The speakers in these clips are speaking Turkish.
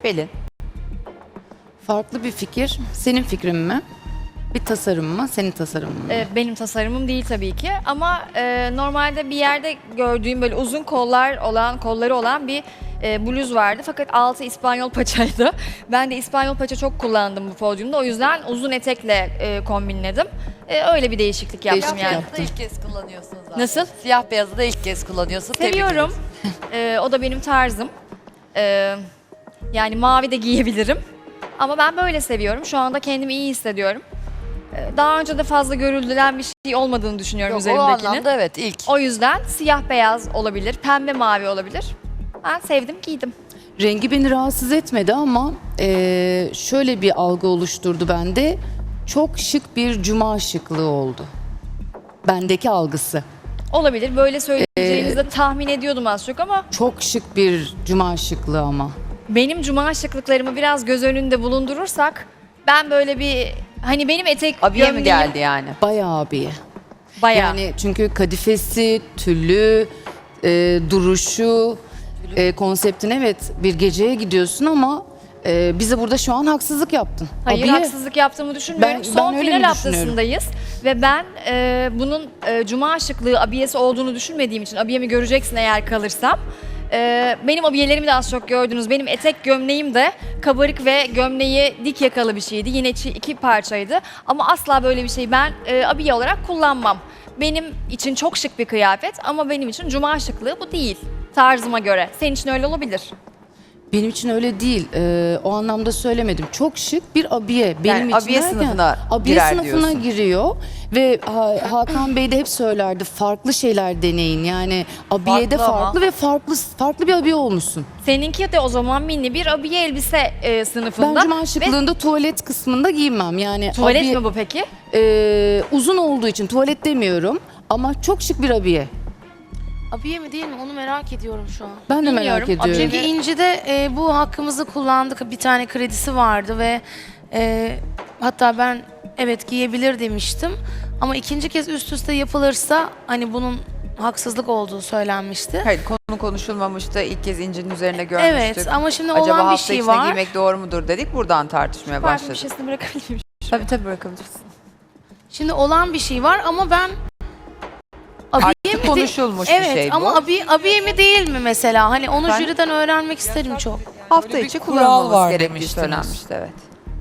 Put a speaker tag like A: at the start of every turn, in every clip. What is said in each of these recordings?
A: Pelin.
B: Farklı bir fikir. Senin fikrin mi? Bir tasarım mı? Senin tasarımın mı?
C: Benim tasarımım değil tabii ki ama normalde bir yerde gördüğüm böyle uzun kolları olan bir bluz vardı. Fakat altı İspanyol paçaydı. Ben de İspanyol paça çok kullandım bu podyumda. O yüzden uzun etekle kombinledim. Öyle bir değişiklik yaptım
B: Değişiklik
C: yani.
B: yaptım.
A: İlk kez kullanıyorsun zaten.
C: Nasıl?
A: Siyah beyazı da ilk kez kullanıyorsun. Tebrik
C: Seviyorum. O da benim tarzım. Yani mavi de giyebilirim. Ama ben böyle seviyorum. Şu anda kendimi iyi hissediyorum. Daha önce de fazla görüldülen bir şey olmadığını düşünüyorum
A: Yok, o
C: üzerimdekinin.
A: anlamda evet ilk.
C: O yüzden siyah beyaz olabilir, pembe mavi olabilir. Ben sevdim, giydim.
B: Rengi beni rahatsız etmedi ama şöyle bir algı oluşturdu bende. Çok şık bir cuma şıklığı oldu. Bendeki algısı.
C: Olabilir, böyle söyleyeceğinizi de tahmin ediyordum az çok ama
B: Çok şık bir cuma şıklığı ama.
C: benim cuma şıklıklarımı biraz göz önünde bulundurursak ben böyle bir hani benim etek
A: Abiye mi
C: gömleğim
A: geldi yani?
B: Bayağı abiye.
C: bayağı.
B: Yani çünkü kadifesi, tüllü, duruşu, konseptin evet bir geceye gidiyorsun ama bize burada şu an haksızlık yaptın.
C: Hayır,
B: Abiye.
C: haksızlık yaptığımı düşünmüyorum.
B: Ben
C: Son
B: öyle
C: final
B: mi
C: haftasındayız ve ben bunun cuma şıklığı abiyesi olduğunu düşünmediğim için abiyemi göreceksin eğer kalırsam. Benim abiyelerimi de az çok gördünüz. Benim etek gömleğim de kabarık ve gömleği dik yakalı bir şeydi. Yine iki parçaydı. Ama asla böyle bir şey ben abiye olarak kullanmam. Benim için çok şık bir kıyafet ama benim için cuma şıklığı bu değil. Tarzıma göre. Senin için öyle olabilir.
B: Benim için öyle değil. O anlamda söylemedim. Çok şık bir abiye. Benim
A: Yani
B: için
A: abiye
B: derken,
A: sınıfına
B: abiye
A: girer
B: sınıfına
A: diyorsun.
B: giriyor ve Hakan Bey de hep söylerdi farklı şeyler deneyin. Yani abiyede
A: Farklı ama.
B: farklı ve farklı bir abiye olmuşsun.
C: Seninki de o zaman mini bir abiye elbise sınıfında.
B: Ben cuma
C: Ve
B: şıklığında tuvalet kısmında giymem. Yani
C: tuvalet
B: abiye-
C: mi bu peki?
B: Uzun olduğu için tuvalet demiyorum ama çok şık bir abiye.
D: Abiye mi değil mi onu merak ediyorum şu an.
B: Ben de
C: Bilmiyorum.
B: merak ediyorum.
D: Çünkü İnci'de bu hakkımızı kullandık. Bir tane kredisi vardı ve hatta ben evet giyebilir demiştim. Ama ikinci kez üst üste yapılırsa hani bunun haksızlık olduğu söylenmişti.
A: Hayır, konu konuşulmamıştı. İlk kez incinin üzerine görmüştük.
D: Evet ama şimdi
A: Acaba
D: olan bir
A: hafta
D: şey
A: içinde
D: var.
A: giymek doğru mudur dedik. Buradan tartışmaya
C: Pardon, bir
A: başladık.
C: şeysini bırakabilir miyim?
A: Tabii bırakabilirsin.
D: Şimdi olan bir şey var ama ben abiye mi
A: Artık
D: değil-
A: konuşulmuş bir
D: Evet
A: şey bu.
D: ama abiye mi değil mi mesela? Hani onu
A: Efendim?
D: jüriden öğrenmek isterim çok.
A: Hafta
E: Böyle bir
A: içi
E: kural
A: kullanılması
E: var
A: gerektiği
E: demiştiniz.
A: söylenmişti evet.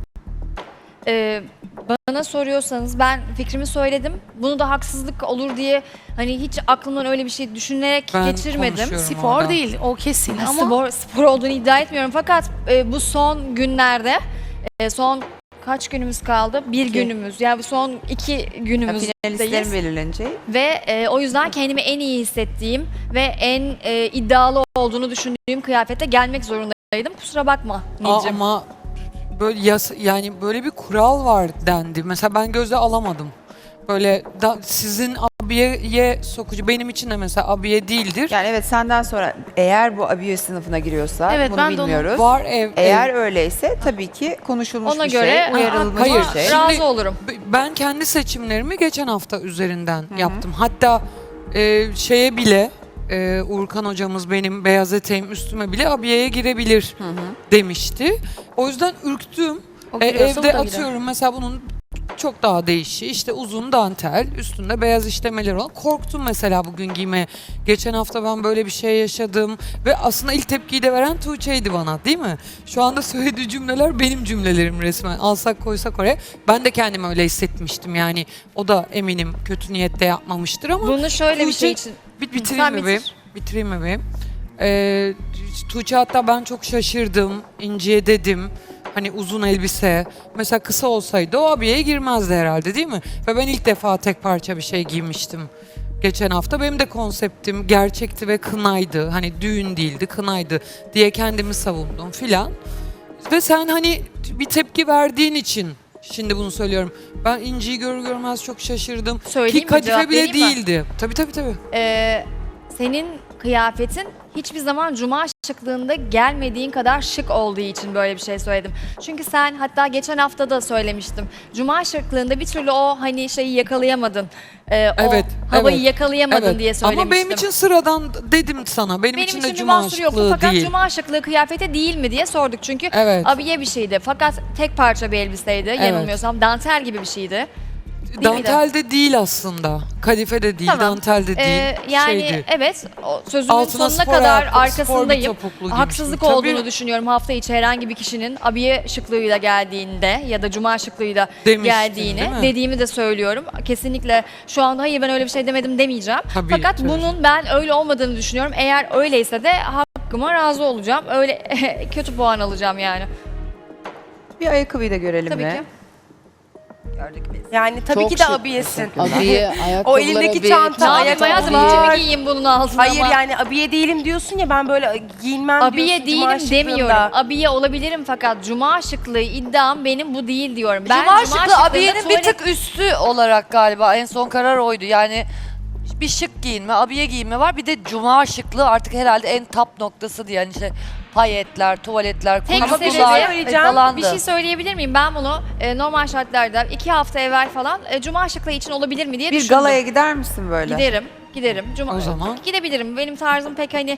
C: Bana soruyorsanız ben fikrimi söyledim. Bunu da haksızlık olur diye hani hiç aklımdan öyle bir şey düşünerek
E: Ben
C: geçirmedim.
E: konuşuyorum.
D: Spor
E: orada.
D: değil o kesin ama
C: Spor olduğunu iddia etmiyorum fakat bu son günlerde son kaç günümüz kaldı? Bir günümüz. Yani bu son 2
A: Finalistlerin
C: günümüzdeyiz.
A: belirleneceği.
C: Ve o yüzden kendimi en iyi hissettiğim ve en iddialı olduğunu düşündüğüm kıyafete gelmek zorundaydım. Kusura bakma Nilcim.
E: Ama böyle yani böyle bir kural var dendi. Mesela ben göze alamadım. Böyle sizin abiyeye sokucu benim için de mesela abiye değildir.
A: Yani evet senden sonra eğer bu abiye sınıfına giriyorsa
D: Evet,
A: bunu
D: ben de onu-
A: bilmiyoruz.
E: Var
A: Eğer öyleyse tabii ki konuşulmuş
C: Ona
A: bir
C: göre
A: şey, uyarılmış
E: hayır,
A: bir şey.
C: razı
E: Şimdi-
C: olurum.
E: Ben kendi seçimlerimi geçen hafta üzerinden yaptım. Hatta şeye bile Urkan hocamız benim beyaz eteğim üstüme bile abiyeye girebilir demişti. O yüzden ürktüm.
D: O giriyorsa bu
E: Evde
D: da girer.
E: atıyorum mesela bunun çok daha değişiği işte uzun dantel üstünde beyaz işlemeler olan korktum mesela bugün giymeye. Geçen hafta ben böyle bir şey yaşadım ve aslında ilk tepkiyi de veren Tuğçe'ydi bana değil mi? Şu anda söylediği cümleler benim cümlelerim resmen alsak koysak oraya. Ben de kendimi öyle hissetmiştim yani o da eminim kötü niyette yapmamıştır ama
C: Bunu şöyle bir
E: Tuğçe-
C: şey için
E: bitireyim
C: Sen
E: mi
C: bitir.
E: benim? Bitireyim mi benim? Tuğçe hatta ben çok şaşırdım. İnci'ye dedim. Hani uzun elbise. Mesela kısa olsaydı o abiyeye girmezdi herhalde değil mi? Ve ben ilk defa tek parça bir şey giymiştim. Geçen hafta benim de konseptim gerçekti ve kınaydı. Hani düğün değildi, kınaydı diye kendimi savundum filan. Ve sen hani bir tepki verdiğin için şimdi bunu söylüyorum. Ben İnci'yi görür görmez çok şaşırdım.
C: Söyleyeyim
E: Ki
C: mi, cevap
E: kadife bile
C: vereyim mi?
E: değildi. Tabii.
C: senin kıyafetin hiçbir zaman cuma şıklığında gelmediğin kadar şık olduğu için böyle bir şey söyledim. Çünkü sen hatta geçen hafta da söylemiştim. Cuma şıklığında bir türlü o hani şeyi yakalayamadın.
E: Evet,
C: o havayı
E: evet,
C: yakalayamadın
E: evet.
C: diye söylemiştim.
E: Ama benim için sıradan dedim sana. Benim için de
C: bir
E: cuma
C: mahsuru yoktu
E: şıklığı
C: fakat
E: değil.
C: cuma şıklığı kıyafete değil mi diye sorduk. Çünkü
E: Evet.
C: abiye bir şeydi. Fakat tek parça bir elbiseydi. Yanılmıyorsam dantel gibi bir şeydi.
E: Dantel de değil aslında. Kadife de değil,
C: Tamam.
E: dantel de değil.
C: Yani
E: şeydi.
C: evet o sözümün
E: Altına
C: sonuna
E: spor
C: kadar
E: ayakkabı, spor bir
C: arkasındayım.
E: topuklu
C: Haksızlık
E: giymiştim.
C: olduğunu
E: Tabii.
C: düşünüyorum hafta içi herhangi bir kişinin abiye şıklığıyla geldiğinde ya da cuma şıklığıyla
E: Demiştin,
C: geldiğini
E: değil mi?
C: dediğimi de söylüyorum. Kesinlikle şu anda hayır ben öyle bir şey demedim demeyeceğim.
E: Tabii,
C: Fakat
E: tabii.
C: bunun ben öyle olmadığını düşünüyorum. Eğer öyleyse de hakkıma razı olacağım. Öyle kötü puan alacağım yani.
A: Bir ayakkabıyı da görelim
C: Tabii
A: mi?
C: ki.
A: Gördük biz.
F: Yani tabii
B: Çok
F: ki de
B: şık.
F: abiyesin.
B: Abiye, ayakkabılara
F: O elindeki
B: bir
F: çanta,
C: Ne yapayım hayatım
F: ayakkabılar.
C: içimi giyeyim bunun altına
F: Hayır
C: ama.
F: yani abiye değilim diyorsun ya, ben böyle giyinmem
C: Abiye
F: diyorsun cuma
C: değilim
F: şıklığında.
C: demiyorum. Abiye olabilirim fakat cuma şıklığı iddiam benim bu değil diyorum. Ben
G: Cuma şıklı
C: şıklığında
G: abiyenin bir
C: tuvalet-
G: tık üstü olarak galiba en son karar oydu. Yani bir şık giyinme, abiye giyinme var. Bir de cuma şıklığı artık herhalde en top noktası diye. Yani işte payetler, tuvaletler,
C: Tek
F: Ama bir şey
C: sebebi
F: söyleyeceğim.
G: falandı.
C: bir şey söyleyebilir miyim? Ben bunu normal şartlarda 2 hafta evvel falan cuma şıklığı için olabilir mi diye
A: Bir
C: düşündüm.
A: galaya gider misin böyle?
C: Giderim. Cuma,
E: O zaman?
C: Gidebilirim. Benim tarzım pek hani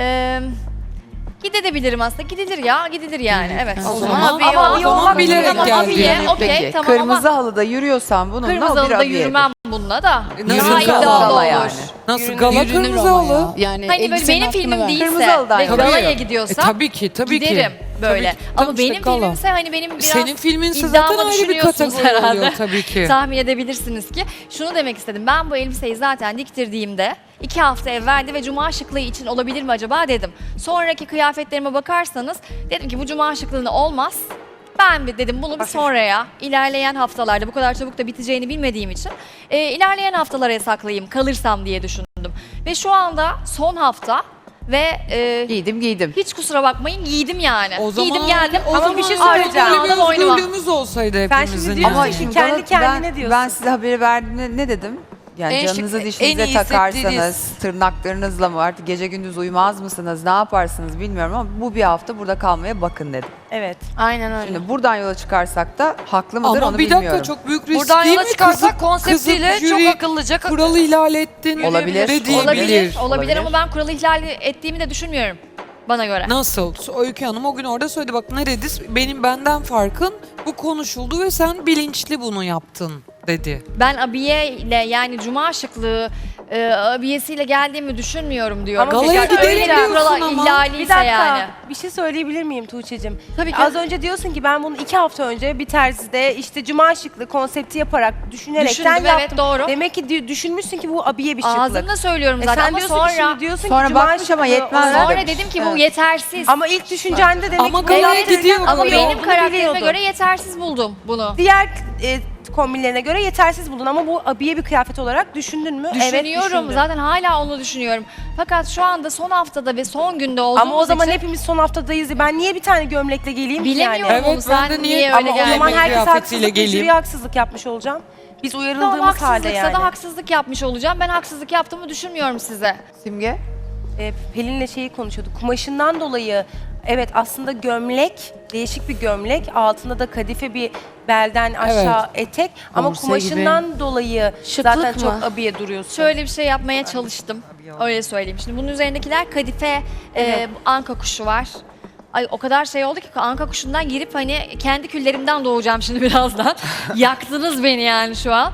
C: gidebilirim aslında. Gidilir ya. Gidilir yani. Evet.
E: O zaman,
F: abiye
E: ama o
F: olmak
E: zaman
F: zorunda.
E: bilerek
C: Tamam,
E: geldi.
C: abiye, okey,
A: Peki,
C: tamam
A: kırmızı
C: ama
A: halıda yürüyorsan bununla
C: kırmızı
A: o bir
C: halıda
A: abiyedir.
C: yürümem bununla da.
E: Nasıl
C: Daha
E: gala?
C: iddialı
A: Gala
C: olur.
A: yani.
E: Nasıl gala
B: Yürünür
E: kırmızı
B: ama
E: halı?
B: ya. Yani
C: Hani böyle
B: elbisenin
C: benim
B: hakkını
C: filmim
B: ver.
C: değilse
A: Kırmızı halıdan
C: ve
A: yani.
C: galaya
E: Tabii.
C: gidiyorsam
E: Tabii ki, tabii
C: giderim
E: ki.
C: böyle.
E: Tabii ki.
C: Ama
E: Tabii işte
C: benim
E: gala.
C: filmimse hani benim biraz
E: Senin filminse
C: iddiamı
E: zaten ayrı bir
C: düşünüyorsunuz
E: kategori
C: herhalde.
E: oluyor tabii ki.
C: Tahmin edebilirsiniz ki. Şunu demek istedim. Ben bu elbiseyi zaten diktirdiğimde 2 hafta evveldi ve cuma şıklığı için olabilir mi acaba dedim. Sonraki kıyafetlerime bakarsanız dedim ki bu cuma şıklığına olmaz. Ben bir dedim bunu bir sonraya, ilerleyen haftalarda bu kadar çabuk da biteceğini bilmediğim için ilerleyen haftalara saklayayım kalırsam diye düşündüm. Ve şu anda son hafta ve
A: Giydim.
C: hiç kusura bakmayın giydim yani.
E: O zaman,
C: Giydim geldim.
F: Ama bir şey
C: Artık
F: söyleyeceğim.
C: bunu aldım boynuma.
E: Özgürlüğümüz olsaydı
F: Sen
E: hepimizin.
F: şimdi diyorsun
E: yani.
F: ki kendi kendine diyorsun.
A: Ben size haberi verdiğimde ne dedim? Yani
G: En şık,
A: canınızı
G: en
A: dişinize
G: iyi
A: takarsanız,
G: hissettiğiniz.
A: tırnaklarınızla mı artık gece gündüz uyumaz mısınız, ne yaparsınız bilmiyorum ama bu bir hafta burada kalmaya bakın dedim.
F: Evet.
D: Aynen öyle.
A: Şimdi buradan yola çıkarsak da haklı mıdır
E: Ama
A: onu
E: bir dakika
A: bilmiyorum.
E: çok büyük risk
G: Buradan
E: değil
G: yola
E: mi?
G: çıkarsak konseptiyle
E: kızıp
G: çok
E: jüri
G: akıllıca
E: kuralı ihlal ettin.
A: Olabilir,
E: de diyebilir.
C: Olabilir
A: Olabilir.
C: ama ben kuralı ihlal ettiğimi de düşünmüyorum bana göre.
E: Nasıl? Öykü Hanım o gün orada söyledi bak ne dedi? Benden farkın bu konuşuldu ve sen bilinçli bunu yaptın dedi.
C: Ben abiye ile yani cuma şıklığı abiyesiyle geldiğimi düşünmüyorum diyorum.
F: Ama
E: galaya
C: Tekrar
E: gidelim
C: öyle bir
E: diyorsun
C: kurala
E: ama.
C: ihlaliyse
F: Bir dakika.
C: yani.
F: Bir şey söyleyebilir miyim Tuğçe'cim?
C: Tabii ki.
F: Az önce diyorsun ki ben bunu 2 hafta önce bir terzide işte cuma şıklı konsepti yaparak düşünerekten
C: Düşündüm, evet,
F: yaptım.
C: doğru.
F: Demek ki düşünmüşsün ki bu abiye bir şıklık.
C: Ağzımda söylüyorum zaten
F: Sen
C: ama
F: diyorsun ki
C: sonra
F: şimdi diyorsun
A: Sonra
F: ki cuma
A: bakmış ama
F: şıklığı
A: yetmez
F: olarak-
C: sonra
A: demiş.
C: dedim ki bu
A: Evet.
C: yetersiz.
F: Ama ilk düşüncende demek
E: Ama
F: ki
E: galaya
F: yaptığın
E: gidiyor.
F: ama
C: Ama
E: bunu
C: benim karakterime
F: biliyordun.
C: göre yetersiz buldum bunu.
F: Diğer kombinlerine göre yetersiz buldun ama bu abiye bir kıyafet olarak düşündün mü? Evet
C: Düşünüyorum.
F: düşündüm.
C: Zaten hala onu düşünüyorum. Fakat şu anda son haftada ve son günde olduğumuz
F: Ama o zaman
C: için
F: hepimiz son haftadayız. Ben niye bir tane gömlekle geleyim ki
C: bilemiyorum
F: yani?
E: Evet,
C: onu.
E: ben
C: Sen
E: de niye-
C: niye
F: Ama
C: öyle
F: o zaman
C: geldin?
E: Yemek
F: herkes
E: kıyafetiyle
F: haksızlık,
E: geleyim.
F: jüriye haksızlık yapmış olacağım. Biz
C: Tamam
F: uyarıldığımız halde
C: haksızlıksa
F: yani.
C: da haksızlık yapmış olacağım. Ben haksızlık yaptığımı düşünmüyorum size.
A: Simge?
F: Pelin'le şeyi konuşuyorduk. Kumaşından dolayı evet aslında gömlek, değişik bir gömlek. Altında da kadife bir belden aşağı etek. Ama
B: Korse
F: kumaşından dolayı
D: Şıklık
F: zaten
D: mı?
F: çok abiye duruyorsun.
C: Şöyle bir şey yapmaya çalıştım. Öyle söyleyeyim. Şimdi bunun üzerindekiler kadife, anka kuşu var. Ay o kadar şey oldu ki anka kuşundan girip hani kendi küllerimden doğacağım şimdi birazdan. Yaktınız beni yani şu an.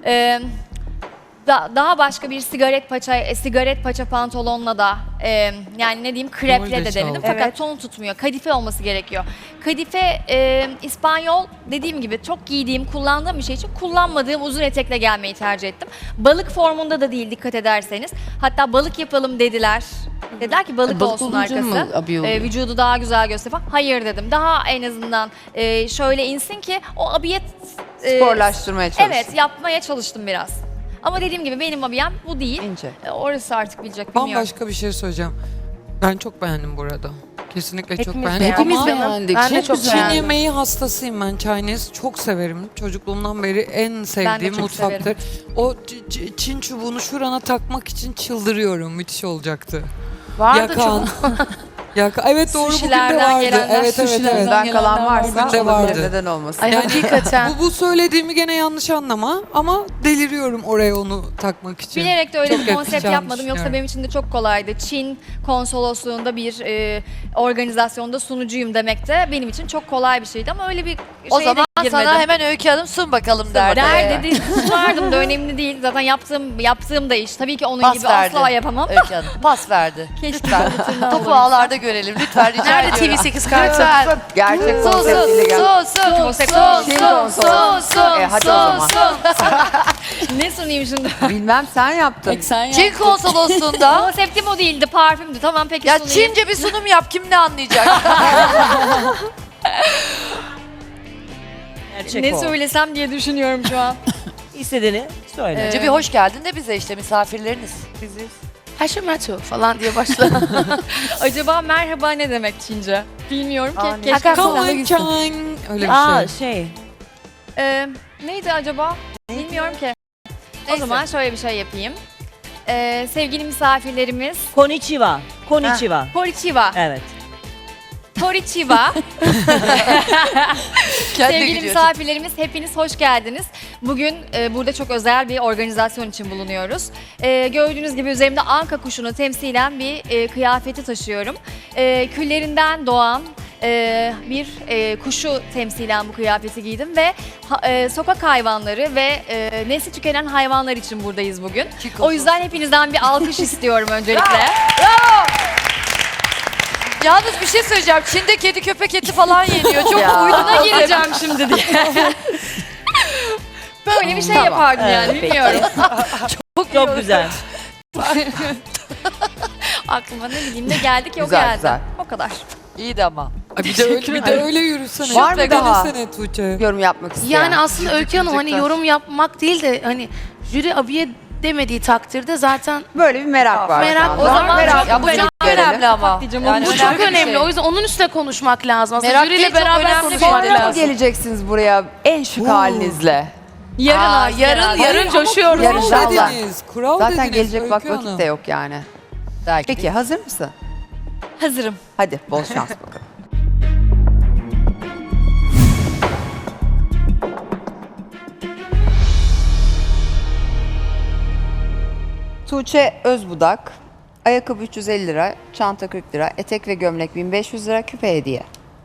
C: Daha başka bir sigaret paça pantolonla da yani ne diyeyim kreple de
E: Oydu
C: denedim
E: çaldı.
C: fakat
F: Evet.
C: ton tutmuyor. Kadife olması gerekiyor. Kadife İspanyol dediğim gibi çok giydiğim, kullandığım bir şey için kullanmadığım uzun etekle gelmeyi tercih ettim. Balık formunda da değil dikkat ederseniz. Hatta balık yapalım dediler. Dediler ki balık
B: Balık
C: olsun
B: olunca mı
C: arkası.
B: abiye oluyor?
C: Vücudu daha güzel göster falan. Hayır dedim. Daha en azından şöyle insin ki o abiyet
A: Sporlaştırmaya çalıştım.
C: Evet yapmaya çalıştım biraz. Ama dediğim gibi benim abiyem bu değil.
A: İnce.
C: Orası artık bilecek bilmiyorum.
E: Bambaşka bir şey söyleyeceğim. Ben çok beğendim burada. Kesinlikle çok
F: Hepimiz
E: beğendim.
F: beğendik.
B: Hepimiz
E: Ama
B: beğendik.
F: Ben de çok
B: güzel.
E: Çin
F: beğendim.
E: yemeği hastasıyım ben. Chinese çok severim. Çocukluğumdan beri en sevdiğim
C: çok
E: mutfaktır.
C: severim.
E: O Çin çubuğunu şurana takmak için çıldırıyorum. Müthiş olacaktı.
F: Vardı
E: Yakan. Ya evet doğru bugün de
C: Sushilerden
E: vardı.
C: gelenler,
E: Evet evet
B: sushilerden
E: evet.
A: Ben kalan varsa
E: Bugün de
A: olabilir,
E: vardı.
A: neden olmasın.
D: Ay hakikaten.
E: Bu söylediğimi gene yanlış anlama ama deliriyorum oraya onu takmak için.
C: Bilerek de öyle
E: Çok
C: bir konsept
E: yakışacağını
C: yapmadım. Yoksa
E: düşünüyorum.
C: benim için de çok kolaydı. Çin konsolosluğunda bir organizasyonda sunucuyum demek de benim için çok kolay bir şeydi ama öyle bir
G: O
C: şeye de
G: zaman
C: girmedim.
G: sana hemen Öykü Hanım sun bakalım derdi.
C: Derdi sunardım da önemli değil. Zaten yaptığım da iş. Tabii ki onun
G: Pas
C: gibi
G: verdi.
C: asla yapamam.
G: Öykü Hanım pas verdi.
C: Keşke
G: Lütfen.
C: tırnağı
G: Topu
C: olabilse.
G: ağlarda görelim. Lütfen rica
D: Nerede
G: ediyorum.
D: TV8 kartı?
G: Lütfen.
A: Gerçek
G: Sun
A: konseptiyle gel.
C: Konsept
A: Hadi o zaman.
C: Ne sunayım şimdi?
A: Bilmem sen yaptın.
B: Sen
G: Çin konsolosluğunda
C: Konseptim o değildi, parfümdü. Tamam peki
G: ya
C: sunayım.
G: Çince bir sunum yap kim ne anlayacak?
H: Gerçek
C: Ne
H: o.
C: söylesem diye düşünüyorum şu an.
H: İstediğini söyle.
G: Önce bir hoş geldin de bize işte misafirleriniz.
H: Biziz.
D: Haşemetu falan diye başla.
C: Acaba merhaba ne demek Çince? Bilmiyorum ki. Keşke
D: Hakan
C: sana-
D: sana gitsin.
E: Chang. Öyle bir şey.
C: Neydi acaba? Bilmiyorum ki. O
G: Neyse.
C: zaman şöyle bir şey yapayım. Sevgili misafirlerimiz,
H: Konnichiwa. Konnichiwa.
C: Konnichiwa.
H: Evet.
C: Konnichiwa.
G: Kendine
C: Sevgili
G: gidiyorsun.
C: misafirlerimiz hepiniz hoş geldiniz. Bugün burada çok özel bir organizasyon için bulunuyoruz. Gördüğünüz gibi üzerimde anka kuşunu temsilen bir kıyafeti taşıyorum. Küllerinden doğan bir kuşu temsilen bu kıyafeti giydim ve sokak hayvanları ve nesli tükenen hayvanlar için buradayız bugün. O yüzden hepinizden bir alkış istiyorum öncelikle.
G: Yalnız bir şey söyleyeceğim. Çin'de kedi köpek eti falan yeniyor. Çok
A: Ya.
G: uyduna
C: Gireceğim şimdi diye. Böyle bir şey
A: Tamam.
C: yapardım yani
H: Evet,
C: bilmiyorum.
H: Çok güzel.
C: Aklıma ne bileyim ne geldi ki o
A: Güzel,
C: geldi.
A: güzel.
C: O kadar.
G: İyiydi ama.
E: Ay bir de öyle yürüsene.
A: Var mı
E: Bir
A: daha?
E: denesene Tuğçe.
A: Yorum yapmak isteyen.
D: Yani aslında Öykü Hanım hani
A: Diyecekler.
D: yorum yapmak değil de hani jüri abiye demediği takdirde zaten
A: Böyle bir merak var.
D: Merak-
A: şu anda.
D: o zaman
A: merak
G: Ya bu
A: bu
G: çok
A: görelim.
G: önemli ama.
C: Diyeceğim,
D: bu
G: önemli
D: çok
G: bir
D: önemli.
G: şey.
D: O yüzden onun üstüne konuşmak lazım. Aslında
G: Merak
D: jüriyle
G: değil, çok
D: beraber
G: önemli bir
D: konuşmak
A: Sonra mı
D: lazım.
A: geleceksiniz buraya en şık halinizle?
C: Yarın artık herhalde.
D: yarın coşuyoruz.
A: Yarın
E: Kural
A: inşallah.
E: dediniz. Kural
A: Zaten
E: dediniz.
A: gelecek
E: Öykü
A: vakit
E: Hanım.
A: de yok yani.
G: Belki
A: Peki hazır mısın?
C: Hazırım.
A: Hadi bol şans bakalım. Tuğçe Özbudak, ayakkabı 350 lira, çanta 40 lira, etek ve gömlek 1500 lira, küpe hediye.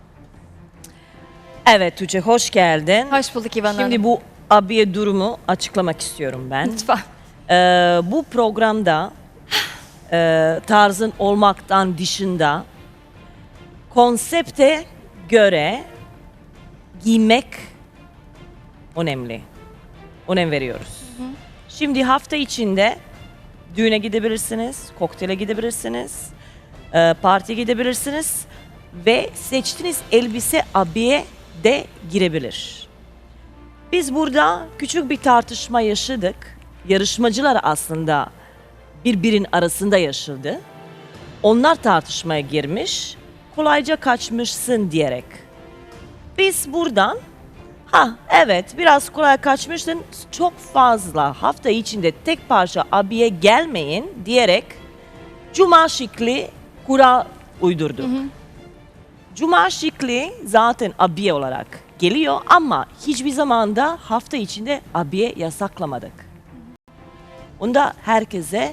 H: Evet Tuğçe hoş geldin.
C: Hoş bulduk İvan Hanım.
H: Şimdi bu abiye durumu açıklamak istiyorum ben.
C: Lütfen.
H: Bu programda tarzın olmaktan dışında konsepte göre giymek önemli. Önem veriyoruz. Şimdi hafta içinde düğüne gidebilirsiniz, kokteyle gidebilirsiniz, partiye gidebilirsiniz ve seçtiğiniz elbise abiye de girebilir. Biz burada küçük bir tartışma yaşadık. Yarışmacılar aslında birbirinin arasında yaşadı. Onlar tartışmaya girmiş, kolayca kaçmışsın diyerek. Biz buradan, evet biraz kolay kaçmışsın, çok fazla hafta içinde tek parça abiye gelmeyin diyerek cuma şıklı kural uydurduk. Cuma şıklı zaten abiye olarak geliyor ama hiçbir zaman da hafta içinde abiye yasaklamadık. Onda herkese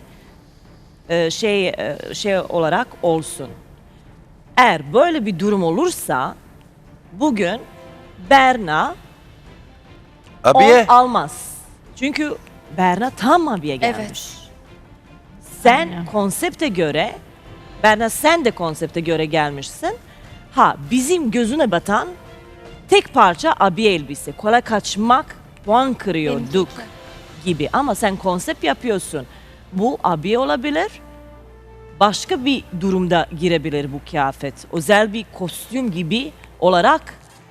H: şey olarak olsun. Eğer böyle bir durum olursa bugün Berna
I: Abiye.
H: 10 almaz. Çünkü Berna tam abiye gelmiş. Sen konsepte göre, Berna sen de konsepte göre gelmişsin. Bizim gözüne batan tek parça abiye elbise. Kolay kaçmak puan kırıyorduk gibi. Ama sen konsept yapıyorsun. Bu abiye olabilir. Başka bir durumda girebilir bu kıyafet. Özel bir kostüm gibi olarak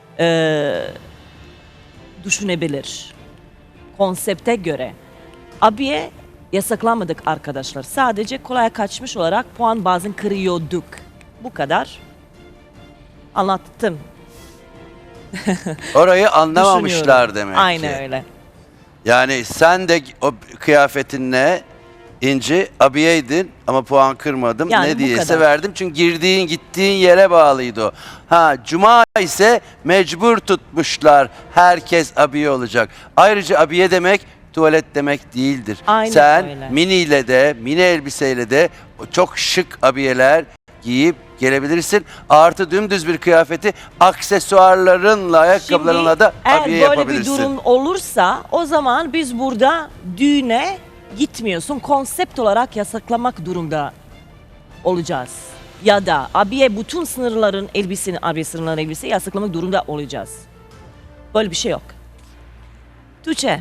H: düşünebilir. Konsepte göre. Abiye yasaklanmadık arkadaşlar. Sadece kolay kaçmış olarak puan bazen kırıyorduk. Bu kadar. Anlattım.
I: Orayı anlamamışlar
H: Düşünüyorum.
I: demek
H: Aynen
I: ki.
H: öyle.
I: Yani sen de o kıyafetinle İnci abiyeydin ama puan kırmadım.
H: Yani
I: Ne
H: bu
I: diyese
H: kadar.
I: verdim çünkü gittiğin yere bağlıydı o. Ha cuma ise mecbur tutmuşlar. Herkes abiye olacak. Ayrıca abiye demek tuvalet demek değildir.
H: Aynen
I: Sen
H: öyle.
I: miniyle de mini elbiseyle de çok şık abiyeler giyip gelebilirsin. Artı dümdüz bir kıyafeti aksesuarlarınla, ayakkabılarınla da
H: eğer
I: abiye
H: böyle bir
I: yapabilirsin.
H: durum olursa o zaman biz burada düğüne gitmiyorsun. Konsept olarak yasaklamak durumda olacağız. Ya da abiye bütün sınırların elbiseni, abiye sınırların elbise yasaklamak durumda olacağız. Böyle bir şey yok. Tuğçe,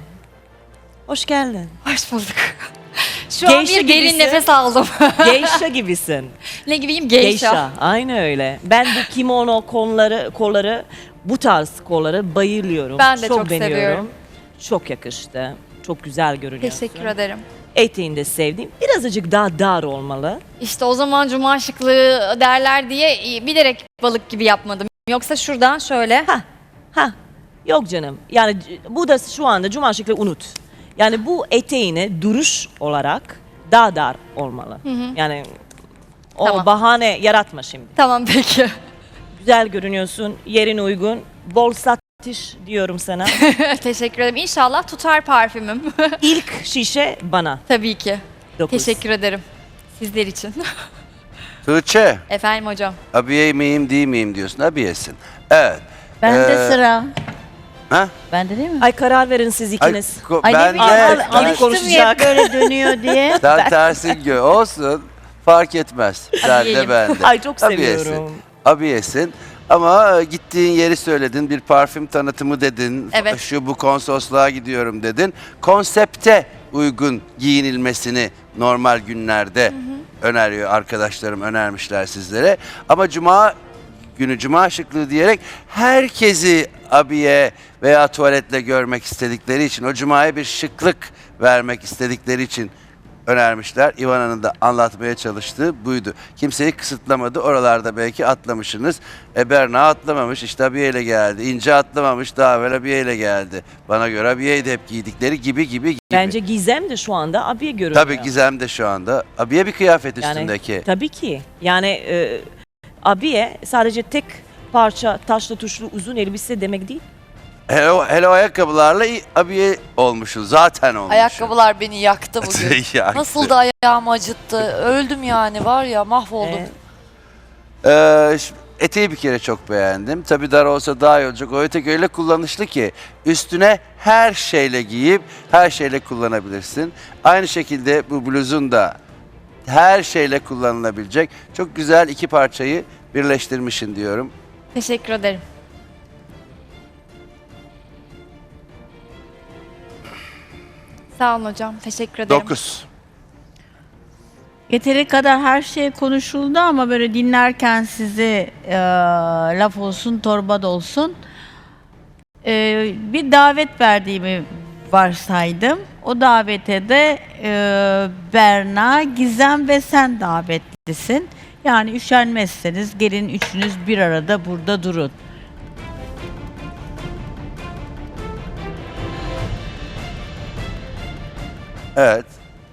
H: hoş geldin.
C: Hoş bulduk. Şu an
H: Geisha
C: bir derin
H: gibisin.
C: nefes aldım.
H: Geisha gibisin.
C: Ne gibiyim? Geisha.
H: Aynı öyle. Ben bu kimono kolları, bu tarz kolları bayılıyorum.
C: Ben de çok
H: beğeniyorum.
C: seviyorum.
H: Çok yakıştı. Çok güzel görünüyorsun.
C: Teşekkür ederim.
H: Eteğini de sevdim. Birazcık daha dar olmalı.
C: İşte o zaman cuma şıklığı derler diye bilerek balık gibi yapmadım. Yoksa şuradan şöyle.
H: Ha, yok canım. Yani bu da şu anda cuma şıklığı unut. Yani bu eteğini duruş olarak daha dar olmalı. Yani o
C: Tamam.
H: bahane yaratma şimdi.
C: Tamam peki.
H: Güzel görünüyorsun, yerin uygun. Bol satış diyorum sana.
C: Teşekkür ederim. İnşallah tutar parfümüm.
H: İlk şişe bana.
C: Tabii ki.
H: 9.
C: Teşekkür ederim. Sizler için.
I: Tuğçe,
C: Efendim hocam.
I: abiye miyim değil miyim diyorsun. Abiyesin. Evet.
J: Bende sıra.
I: Ha?
J: Bende değil mi?
H: Ay karar verin siz ikiniz.
J: Ay ne
I: Ben
J: bileyim
I: de
J: alıştım
H: konuşacak.
J: ya böyle dönüyor diye.
I: sen tersin olsun. Fark etmez. Sen de
C: Abiyeyim.
I: ben de.
H: Ay çok
I: Abiyesin.
H: seviyorum.
I: Abiyesin. Ama gittiğin yeri söyledin. Bir parfüm tanıtımı dedin.
C: Evet.
I: Şu bu konsolosluğa gidiyorum dedin. Konsepte uygun giyinilmesini normal günlerde öneriyor arkadaşlarım, önermişler sizlere. Ama cuma günü cuma şıklığı diyerek herkesi abiye veya tuvaletle görmek istedikleri için, o cumaya bir şıklık vermek istedikleri için önermişler. İvana'nın da anlatmaya çalıştığı buydu. Kimseyi kısıtlamadı. Oralarda belki atlamışsınız. Berna atlamamış. İşte abiyeyle geldi. İnce atlamamış. Daha evvel abiyeyle geldi. Bana göre abiyeydi hep giydikleri gibi.
H: Bence Gizem de şu anda abiye görünüyor.
I: Tabii Gizem de şu anda. Abiye bir kıyafet üstündeki.
H: Tabii ki. Yani abiye sadece tek parça taşlı tuşlu uzun elbise demek değil.
I: Hele o ayakkabılarla abiye olmuşsun. Zaten olmuşsun.
G: Ayakkabılar beni yaktı bugün.
I: Yaktı.
G: Nasıl da ayağımı acıttı. Öldüm yani var ya mahvoldum.
I: Eteği bir kere çok beğendim. Tabii dar olsa daha iyi olacak. O etek öyle kullanışlı ki üstüne her şeyle giyip her şeyle kullanabilirsin. Aynı şekilde bu bluzun da her şeyle kullanılabilecek. Çok güzel iki parçayı birleştirmişsin diyorum.
C: Teşekkür ederim. Sağ olun hocam. Teşekkür ederim.
I: 9.
J: Yeteri kadar her şey konuşuldu ama böyle dinlerken sizi laf olsun torba da olsun bir davet verdiğimi varsaydım. O davete de Berna, Gizem ve sen davetlisin. Yani üşenmezseniz gelin üçünüz bir arada burada durun.
I: Evet.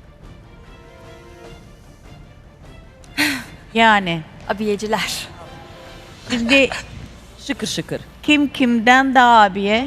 J: Yani
C: Abiyeciler.
J: şimdi
H: Şıkır şıkır.
J: kim kimden daha abiye?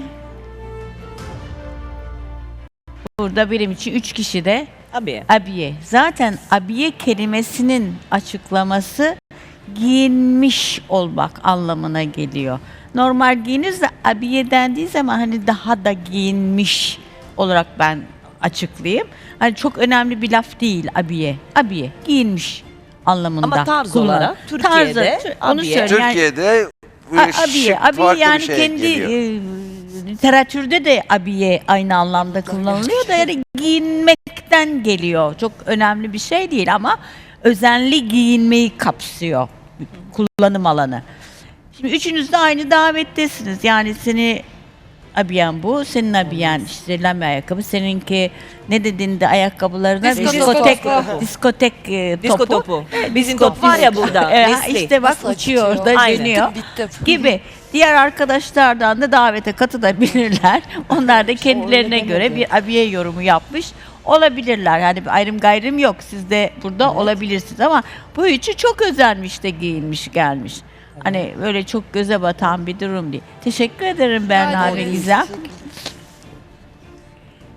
J: Burada benim için 3 kişi de
H: Abiye.
J: abiye. Zaten abiye kelimesinin açıklaması giyinmiş olmak anlamına geliyor. Normal giyinirse abiye dendiği zaman hani daha da giyinmiş olarak ben açıklayayım. Hani çok önemli bir laf değil abiye. Abiye giyinmiş anlamında.
H: Ama tarz
J: kullan-
H: olarak Türkiye'de
J: onu
H: abiye.
J: söyleyeyim. Yani
I: Türkiye'de
J: abiye, abiye
I: farklı
J: yani
I: bir şey
J: kendi
I: geliyor.
J: literatürde de abiye aynı anlamda kullanılıyor da yani giyinmekten geliyor. Çok önemli bir şey değil ama özenli giyinmeyi kapsıyor kullanım alanı. Şimdi üçünüz de aynı davettesiniz. Yani seni abiyen bu, senin abiyen işte lame ayakkabı, seninki ne dediğinde ayakkabılarına diskotek
H: Disko topu. Bizim top var ya burada. Nesli.
J: işte bak
G: Nasıl
J: uçuyor
G: acıtıyor?
J: orada
H: Aynen.
J: dönüyor
G: Bittim.
J: gibi. Diğer arkadaşlardan da davete katılabilirler. Onlar da kendilerine göre bir abiye yorumu yapmış olabilirler. Yani bir ayrım gayrım yok. Siz de burada olabilirsiniz ama bu üçü çok özenmiş de giyinmiş gelmiş. Hani böyle çok göze batan bir durum değil. Teşekkür ederim Berna ve Gizem.